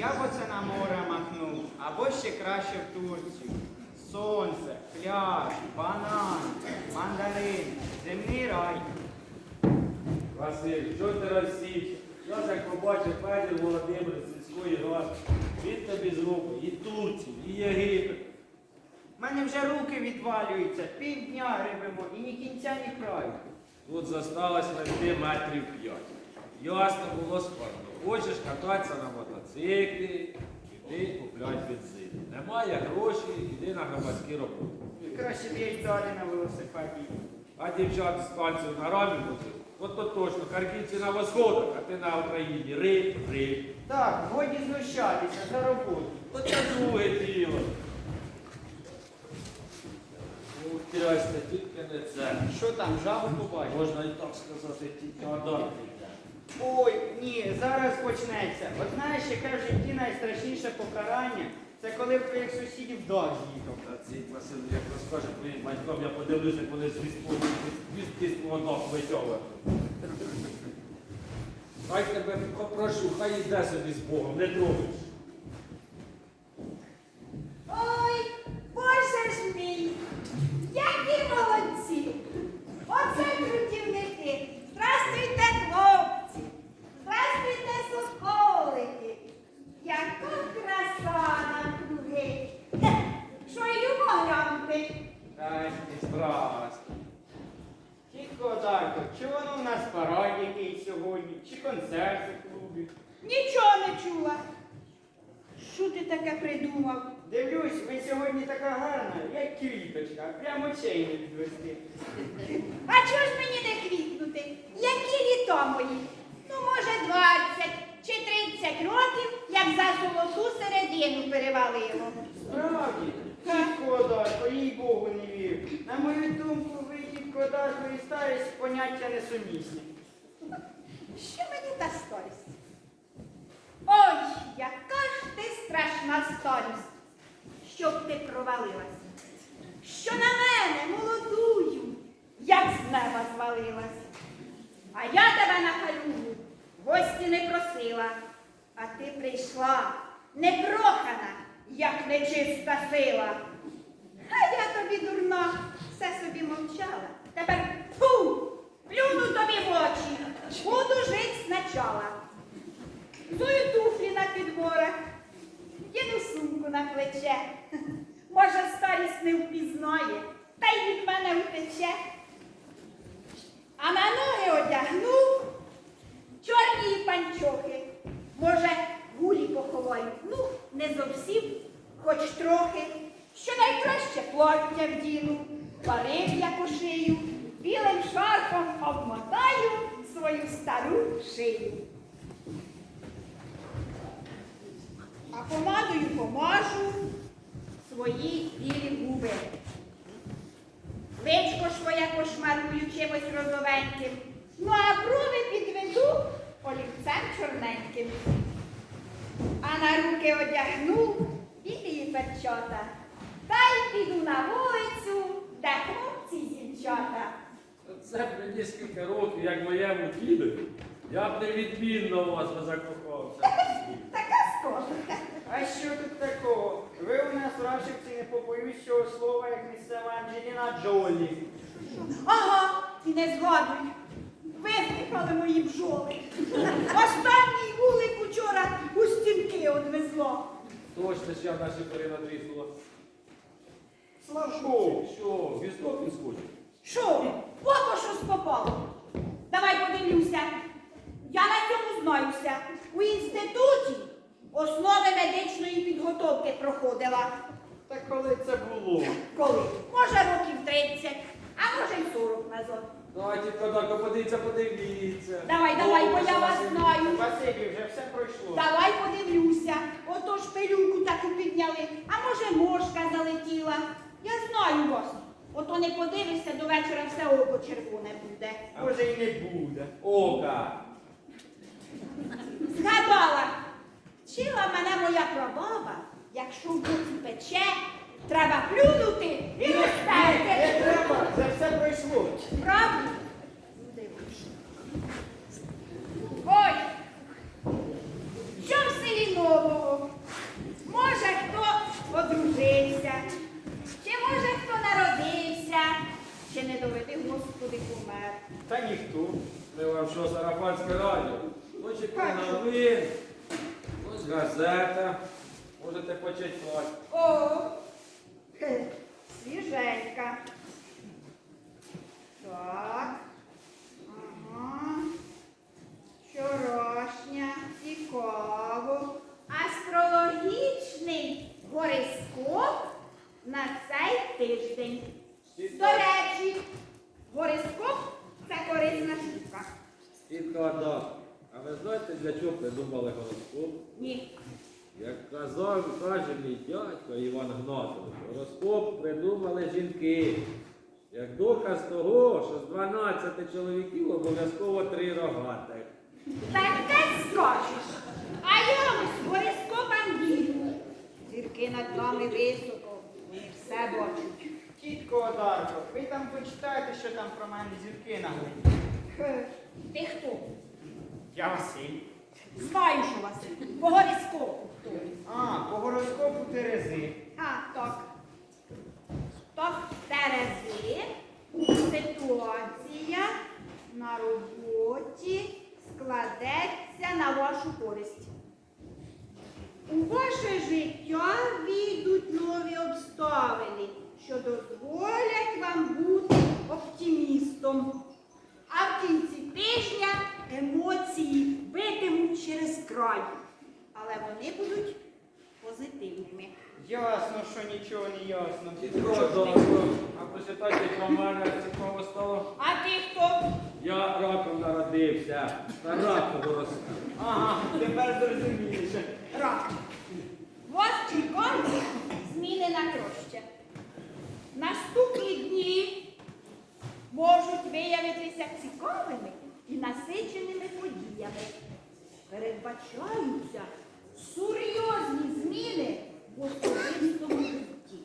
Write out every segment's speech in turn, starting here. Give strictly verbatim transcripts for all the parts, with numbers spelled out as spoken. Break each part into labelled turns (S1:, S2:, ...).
S1: Я б оце на море махнув, або ще краще в Турцію. Сонце, пляж, банан, мандарин, земний рай.
S2: Василь, що ти розсівся? Зараз як побачив Федір Володимир з сільської ради, він тобі з руку і Турцію, і Єгипет.
S1: У мене вже руки відвалюються, півдня гребемо і ні кінця, ні краю.
S2: Тут зосталось менти метрів п'ять. Ясно було складно. Хочеш кататися на мотоциклі, іди купляй бензин. Немає грошей, іди на громадські роботи.
S1: Краще б я й далі на велосипеді.
S2: А дівчат з станцію на рамі возив? От то точно, харківці на восходах, а ти на Україні. Риб, риб.
S1: Так, годі знущатися за роботу.
S2: От це друге діло. Ну, трясся, тільки не це.
S1: Що там, жабу побачиш?
S2: Можна і так сказати, тільки Адам.
S1: Ой, ні, зараз почнеться. От знаєш, яке в житті найстрашніше покарання, це коли в твоїх сусідів дощ їхав.
S2: Та цей Василь, як розкаже твоїм батькам, я подивлюся, як вони звістки з плодок витягують. Хай тебе попрошу, хай іде собі з Богом, не трогай.
S3: Ой, Боже ж мій, які молодці! Оце трудівники! Здрастуйте, хлопці! Здрастуйте, соколики! Яка краса навкруги! Хе, що й любо глянути?
S1: Здрасте, здрасте. Тітко Одарко, чи воно в нас парад який сьогодні, чи концерт у клубі?
S3: Нічого не чула. Що ти таке придумав?
S1: Дивлюсь, ви сьогодні така гарна, як квіточка, прямо очей не відвести.
S3: А чого ж мені не квітнути? Які літа мої? Ну, може, двадцять чи тридцять років, як за золоту середину перевалило.
S1: Справді, тітко Одарко, їй Богу не вірю. На мою думку, ви, тітко Одарко, і старість поняття несумісні.
S3: Що мені та старість? Ой, яка ж ти страшна старість, щоб ти провалилась. Що на мене, молодую, як з неба звалилась. А я тебе на халюгу в гості не просила, а ти прийшла непрохана, як нечиста сила. А я тобі дурна, все собі мовчала. Тепер фу, плюну тобі в очі, буду жить спочатку. Зую туфлі на підборах, діду сумку на плече. Може, старість не впізнає, та й від мене втече. А на ноги одягну чорні панчохи. Може, гулі поховаю, ну, не зовсім, хоч трохи. Що найкраще плаття вдіну, парик я пошию, білим шарфом обмотаю свою стару шию. А помадою помажу свої білі губи. Личко своє кошмарую чимось розовеньким, ну а брови підведу олівцем чорненьким. А на руки одягну білі перчота, та й піду на вулицю, де хлопці й дівчата.
S2: Це мені скільки років, як моєму дідові, я б невідмінно у вас би закохався.
S3: Така скоро.
S1: А що тут такого? Ви у нас в Рашівці, не побоюсь цього слова, як місцева Анджеліна Джолі.
S3: Ага, і не згадуй. Виздихали мої бджоли. Останній вулик учора у стінки одвезло.
S2: Точно, що я в нашій порі надрізнула.
S1: Славко!
S2: Що, віздок він схоче?
S3: Що? Ото щось попало. Давай подивлюся. Я на цьому знаюся. У інституті основи медичної підготовки проходила.
S1: Та коли це було?
S3: Коли? Може років тридцять, а може й сорок назад.
S2: Давайте, Кодарко, подивіться, подивіться.
S3: Давай, давай, бо я вас знаю.
S1: Василі, вже все пройшло.
S3: Давай подивлюся. Ото ж пилюку таку підняли, а може мошка залетіла. Я знаю вас. Ото не подивишся, до вечора все око червоне буде.
S1: А може і не буде.
S2: Ока.
S3: Згадала. Вчила мене моя прабаба, якщо в боці пече, треба плюнути і
S1: Не
S3: розтерти.
S1: треба, це все пройшло.
S3: Правда? Ну, дивись. Ой, що в селі нового?
S2: сарафанське радіо. Ось і новин, ось газета. Можете почитати.
S3: О, хе, свіженька. Так. Ага. Вчорашня, цікаво. Астрологічний гороскоп на цей тиждень. До речі, гороскоп – це корисна штука.
S2: Підгадав. А ви знаєте, для чого придумали гороскоп?
S3: Ні.
S2: Як казав, каже мій дядько Іван Гнатович, гороскоп придумали жінки. Як доказ того, що з дванадцяти чоловіків обов'язково три рогатих.
S3: Таке скажеш. А я ось гороскопам вірю. Зірки над нами високо, вони все бачать.
S1: Тітко Одарко, ви там почитайте, що там про мене зірки наговорять.
S3: Хе, ти хто?
S1: Я Василь.
S3: Знаю, що Василь. По гороскопу хто.
S1: А, по гороскопу Терези.
S3: А, так. Так, Терези, ситуація на роботі складеться на вашу користь. У ваше життя війдуть нові обставини, що дозволять вам бути оптимістом. А в кінці тижня емоції битимуть через край, але вони будуть позитивними.
S1: Ясно, що нічого не ясно.
S2: Підгадав. А почитайте про мене, цікаво стало.
S3: А ти хто?
S2: Я раком народився. Та раком росту.
S1: Ага, тепер зрозуміліше.
S3: Рак. Вас чекають зміни на краще. Наступні дні можуть виявитися цікавими і насиченими подіями. Передбачаються серйозні зміни в особистому житті.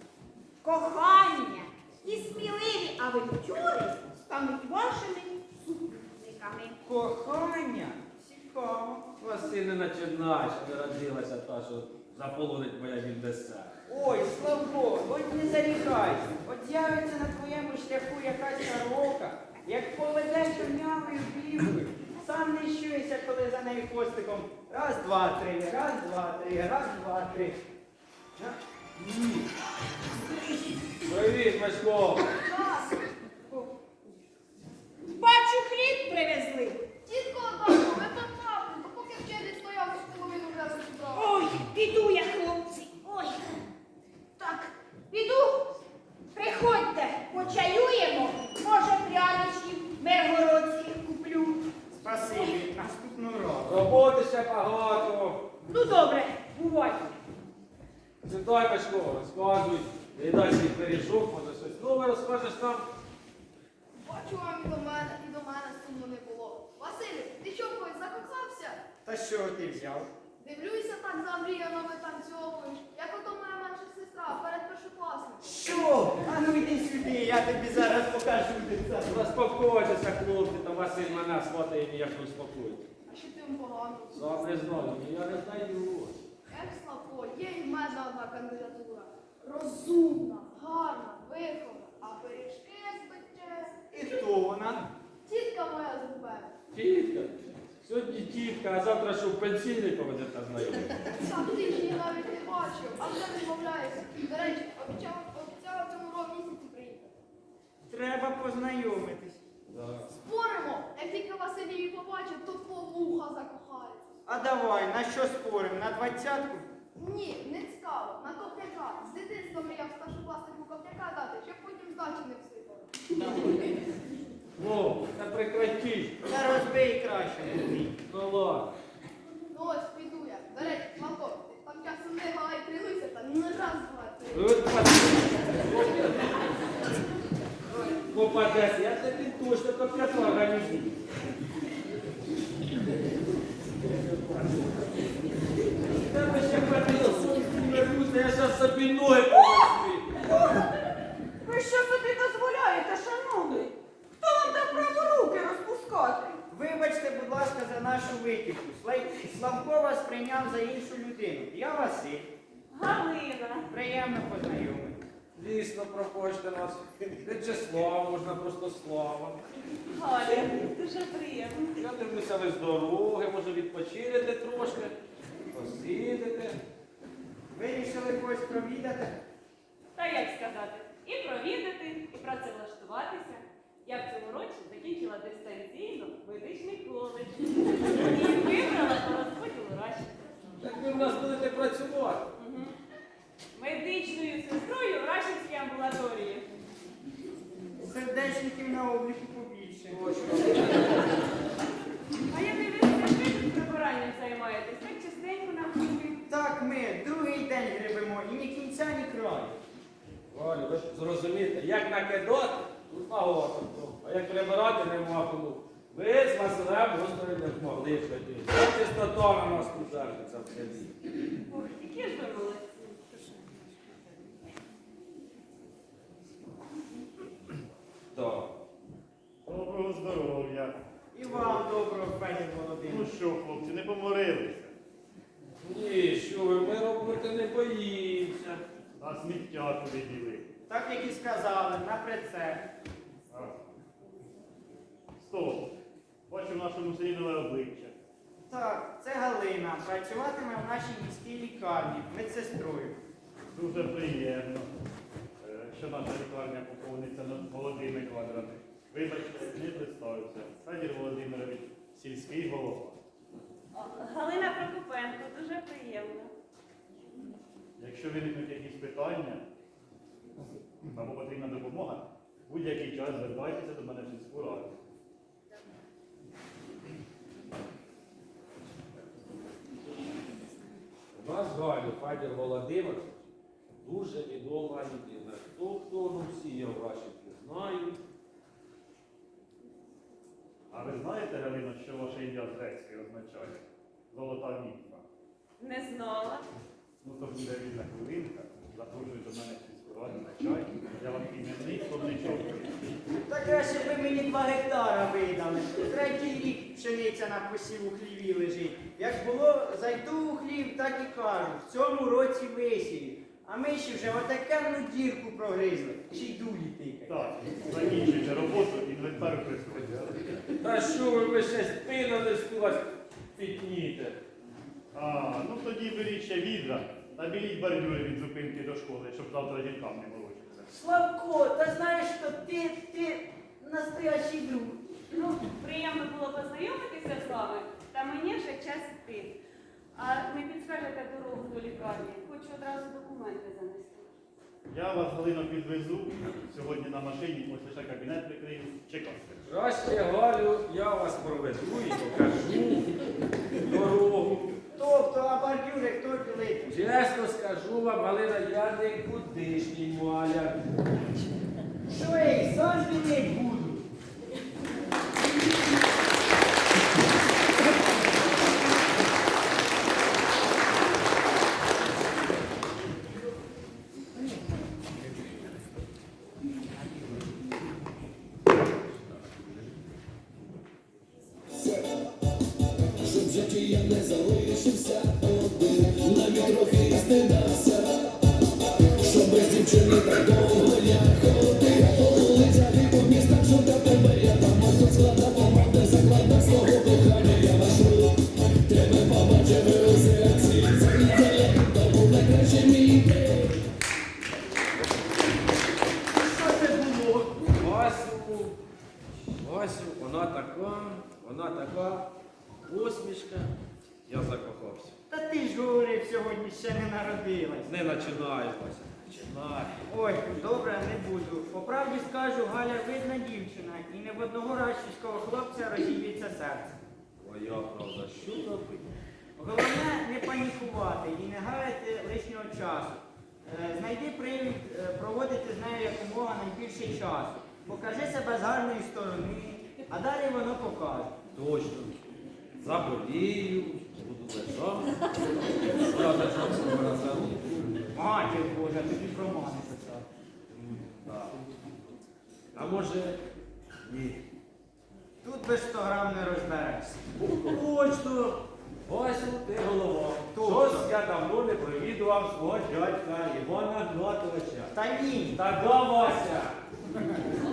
S3: Кохання і сміливі авантюри стануть вашими супутниками.
S1: Кохання? Цікаво.
S2: Василь не начинай, що народилася та, що заполонить моя віднесе.
S1: Ой, Славко, от не зарікайся. От з'явиться на твоєму шляху якась сорока, як поведе чорнявою білкою, сам не щуєшся, коли за нею хвостиком. Раз, два, три, раз, два, три, раз, два, три. А? Ні.
S2: Привіт, Мишко!
S3: Бачу, хліб привезли.
S4: Тітко Одарко, ви так правду, то поки вчитель стояв, що половину вже розібрав.
S3: Ой, піду я, хлопці. Ой. Так, піду. Приходьте, почаюємо. Може, пряничків миргородських куплю.
S1: Спасибі, наступного разу.
S2: Роботи ще багато.
S3: Ну, добре, бувайте.
S2: Сідай, Мишко, розказуй. Не дай свій пиріжок, може щось нове розкажеш нам.
S4: Бачу вам і до мене, і до мене сумно не було. Василю, ти що когось закохався?
S1: Та що ти взяв?
S4: Дивлюся, так замріяно витанцьовуєш, як ото моя менша сестра перед першокласником.
S1: Що? А ну йди сюди, я тобі зараз покажу дитя.
S2: Заспокойтеся, хлопці, та Василь мене сватає ніяк не успокоїть.
S4: А що ти їм погано?
S2: Сам не знаю, я не знаю.
S4: Як Славко, є і в мене одна кандидатура. Розумна, гарна, вихована, а пиріжки спече.
S1: І хто вона?
S4: Тітка моя з Губерна.
S2: Тітка. Сьогодні тітка, а завтра що в пенсійний поведете знайомити.
S4: Сам ти ж її навіть не бачив, а вже відмовляєшся. До речі, обіцяла, обіцяла в цьому році місяці приїхати.
S1: Треба познайомитись.
S2: Да.
S4: Споримо, як тільки Василь її побачив, то по вуха закохається.
S1: А давай, на що спорим? На двадцятку?
S4: Ні, не цікаво, на копняка. З дитинства мріяв старшокласнику копняка дати, щоб потім здачі не всипали.
S2: О, та прекратіть.
S1: Та розбий краще. Андрій.
S2: Ну ладно.
S4: Ну ось, піду я. До речі, Славко, ти там часом не гай, трилуйся, та не раз, два, три.
S2: От попадеться, я тобі точно коп'яту організую. Тебе ще подивився, я зараз собі ноги повести.
S3: Ви що собі дозволяєте, шановний? Хто вам дав право руки розпускати?
S1: Вибачте, будь ласка, за нашу витівку. Слай- Славко вас прийняв за іншу людину. Я Василь.
S3: Галина.
S1: Приємно познайомитися.
S2: Дійсно, пропочте нас. В'ячеслав, можна просто Слава.
S5: Галя, дуже приємно.
S2: Я дивлюся, ви з дороги, може відпочинете трошки, посидите.
S1: Вирішили когось провідати?
S5: Та як сказати, і провідати, і працевлаштуватися. Я в цьому році закінчила дистанційно медичний коледж. І вибрала по розподілу Раші.
S2: Так ви в нас будете працювати.
S5: Угу. Медичною сестрою в Рашівській амбулаторії.
S1: Сердечників на обліку побільше.
S5: А я дивлюся, ви тут прибиранням займаєтесь, так частенько навкруги.
S1: Так, ми другий день гребемо і ні кінця, ні краю.
S2: Валю, ви ж зрозумієте, як накидати, тут багато. А як прибирати нема кому. Ви з Василем просто не змогли ходити. Ця чистота на нас тут держиться в селі.
S5: Ох, які ж ви молодці.
S2: Так.
S6: Доброго здоров'я.
S1: І вам доброго, Федір
S6: Ну
S1: Володимирович.
S6: що, хлопці, не поморилися?
S2: Ні, що ви, ми робити не боїмося.
S6: А сміття туди діли.
S1: Так як і сказали, на прицеп.
S6: А. Стоп. Бачу в нашому селі нове обличчя.
S1: Так, це Галина. Працюватиме в нашій міській лікарні медсестрою.
S6: Дуже приємно, е, що наша лікарня поповниться на молодими квадратами. Вибачте, не представився. Федір Володимирович, сільський голова.
S5: О, Галина Прокопенко, дуже приємно.
S6: Якщо виникнуть якісь питання або потрібна допомога, будь-який час звертайтеся до мене в сільську раду.
S2: У нас Галю Федір Володимирович дуже відома людина. Хто хто, ну всі його Рашівки знають.
S6: А ви знаєте, Галино, що ваше ім'я з грецької означає? Золота німфа.
S5: Не знала.
S6: Ну то буде вільна хвилинка. Запрошую до мене в сільську раду на чай. Я вам іменний словничок.
S1: Так краще б ви мені два гектара видали. Третій рік пшениця на посів у хліві лежить. Як було, зайду у хлів, так і кажу. В цьому році висію. А ми ще вже отакенну дірку прогризли. Ще й дулі тикають.
S6: Так, закінчуйте роботу, інвентар присутній.
S2: Та що ви, ви ще спину не спілась пітніте.
S6: А, ну тоді беріть ще відра, набіліть бордюри від зупинки до школи, щоб завтра жінкам не молочитися.
S1: Славко, та знаєш, що ти, ти настоящий друг.
S5: Ну, приємно було познайомитися з вами, та мені вже час йти. А не підскажете дорогу до лікарні? Хочу одразу документи занести.
S6: Я вас, Галино, підвезу. Сьогодні на машині, ось лише кабінет прикрию. Чекайте.
S2: Краще, Галю, я вас проведу і покажу дорогу.
S1: Тобто, а бордюри хто білить?
S2: Чесно скажу вам, Галина, я нікудишній маляр.
S1: Що я й сам білить буду?
S7: Щоб в житті я не залишився один, навіть трохи стидався, що без дівчини так довго я ходив по вулицях і по містах, шукав тебе, я там ось складав команди, закладав свого кохання, я вашу тебе побачив у серці, це то був найкращий мій день.
S1: Що це було?
S2: Васю, Васю, вона така, вона така, посмішка, я закохався.
S1: Та ти ж говорив, сьогодні ще не народилась.
S2: Не починай, Вася, починай.
S1: Ой, добре, не буду. По правді скажу, Галя видна дівчина, і не в одного рашівського хлопця розіб'ється серце.
S2: Твоя правда, що робити?
S1: Головне не панікувати і не гаяти лишнього часу. Е, Знайди привід е, проводити з нею якомога найбільше часу. Покажи себе з гарної сторони, а далі воно покаже.
S2: Точно. Заболію, буду лежати. Зараз лежав себе на залу.
S1: Матір Божа, тобі про мани писав.
S2: Так. А може, ні.
S1: Тут без сто грам не розберешся.
S2: Точно. Васю, ти голова.
S1: Точно.
S2: Щось я давно не провідав навідував свого дядька Івана Гнатовича.
S1: Та ні.
S2: Та до Вася.